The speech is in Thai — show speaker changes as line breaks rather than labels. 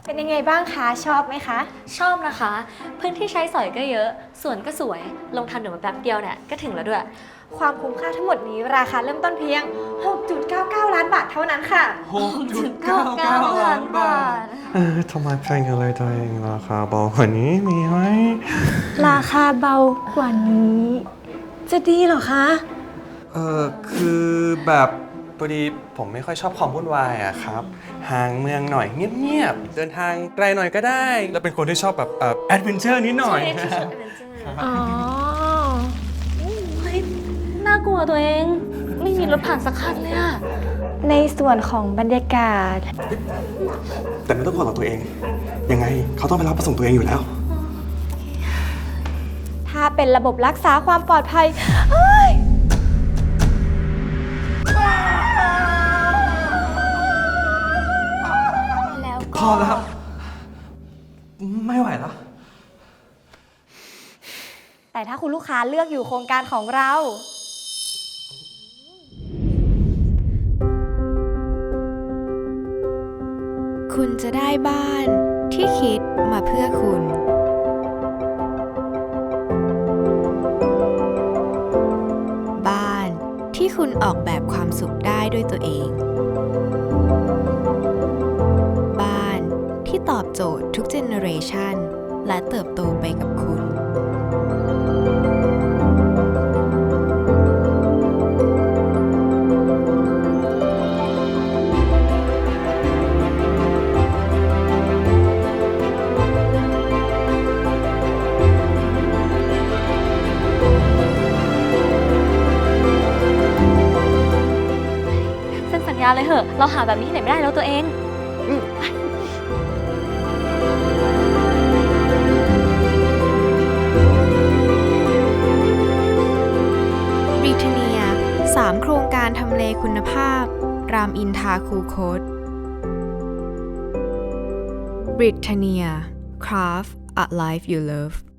เป็นยังไงบ้างคะชอบไหมคะ
ชอบนะคะ พื้นที่ใช้สอยก็เยอะสวนก็สวยลงทางด่วนมาแป๊บเดียวเนี่ยก็ถึงแล้วด้วย
ความคุ้มค่าทั้งหมดนี้ราคาเริ่มต้นเพียง 6.99 ล้านบาทเท่านั้นค่ะ
6.99 ล้านบาททำไมแพงกันเลยตัวเองราคาเบากว่านี้มีไหม
ราคาเบากว่านี้ จะดีเหรอคะ
คือแบบพอดีผมไม่ค่อยชอบความวุ่นวายอะครับห่างเมืองหน่อยเงียบๆเดินทางไกลหน่อยก็ได้ แล้วเป็นคนที่ชอบแบบแอดเวนเจอร์นิดหน่อย
อ๋อ
เฮ้ยน่ากลัวตัวเองไม่มีรถผ่านสักคันเลยอะ
ในส่วนของบรรยากาศ
แต่ไม่ต้องกลัวหรอกตัวเอง ยังไงเขาต้องไปรับประส่งตัวเองอยู่แล้ว
ถ้าเป็นระบบรักษาความปลอดภัยเฮ้ย แล้ว
พอแล้ว ไม่ไหวแล้ว
แต่ถ้าคุณลูกค้าเลือกอยู่โครงการของเรา
คุณจะได้บ้านที่คิดมาเพื่อคุณ บ้านที่คุณออกแบบความสุขได้ด้วยตัวเอง บ้านที่ตอบโจทย์ทุกเจเนอเรชันและเติบโตไปกับคุณ
เซ็นสัญญาเลยเหอะเราหาแบบนี้ที่ไหนไม่ได้แล้วตัวเอง
บริเทเนีย 3 โครงการทำเลคุณภาพ รามอินทราคูคต บริเทเนีย Craft a Life You Love